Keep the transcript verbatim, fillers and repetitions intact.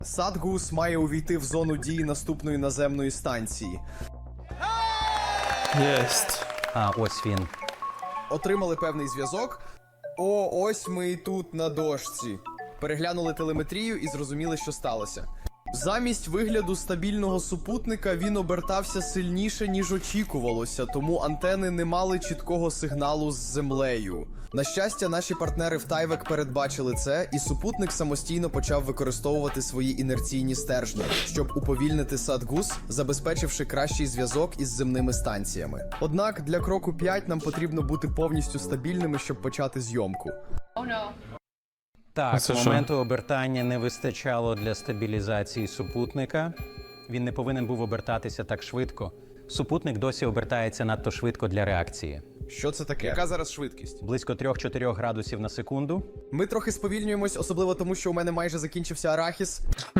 Садгус має увійти в зону дії наступної наземної станції. Єсть. А, ось він. Отримали певний зв'язок. О, ось ми і тут на дошці. Переглянули телеметрію і зрозуміли, що сталося. Замість вигляду стабільного супутника він обертався сильніше, ніж очікувалося, тому антени не мали чіткого сигналу з землею. На щастя, наші партнери в Тайвек передбачили це, і супутник самостійно почав використовувати свої інерційні стержні, щоб уповільнити Садгус, забезпечивши кращий зв'язок із земними станціями. Однак для кроку п'ять нам потрібно бути повністю стабільними, щоб почати зйомку. Так, це що? моменту обертання не вистачало для стабілізації супутника. Він не повинен був обертатися так швидко. Супутник досі обертається надто швидко для реакції. Що це таке? Яка зараз швидкість? Близько три-чотири градусів на секунду. Ми трохи сповільнюємось, особливо тому, що у мене майже закінчився арахіс.